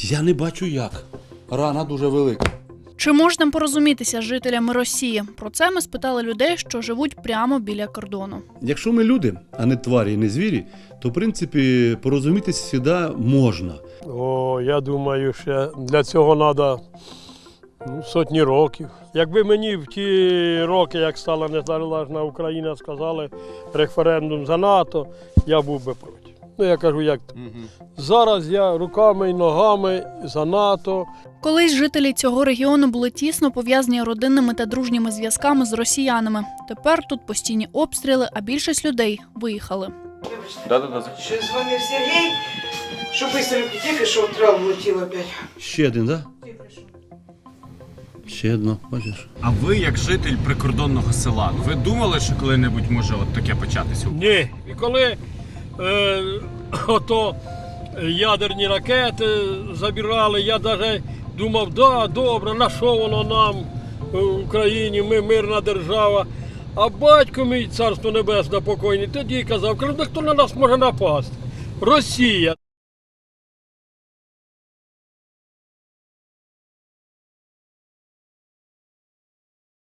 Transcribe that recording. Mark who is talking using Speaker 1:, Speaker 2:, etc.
Speaker 1: Я не бачу як. Рана дуже велика.
Speaker 2: Чи можна порозумітися з жителями Росії? Про це ми спитали людей, що живуть прямо біля кордону.
Speaker 1: Якщо ми люди, а не тварі і не звірі, то, в принципі, порозумітися завжди можна.
Speaker 3: Я думаю, що для цього треба сотні років. Якби мені в ті роки, як стала незалежна Україна, сказали референдум за НАТО, я був би проти. Я кажу, як зараз я руками і ногами за НАТО.
Speaker 2: Колись жителі цього регіону були тісно пов'язані родинними та дружніми зв'язками з росіянами. Тепер тут постійні обстріли, а більшість людей виїхали.
Speaker 4: Да.
Speaker 5: Ще дзвонив Сергій, що швидко тільки що травму летів опять.
Speaker 1: Ще один, так? Да? Ще одно, бачиш?
Speaker 4: А ви, як житель прикордонного села, ви думали, що коли-небудь може от таке початися?
Speaker 3: Ні. І коли ото ядерні ракети забирали, я навіть думав, да, добре, на що воно нам в Україні, ми мирна держава. А батько мій, царство небесне покойний, тоді казав, хто на нас може напасти? Росія.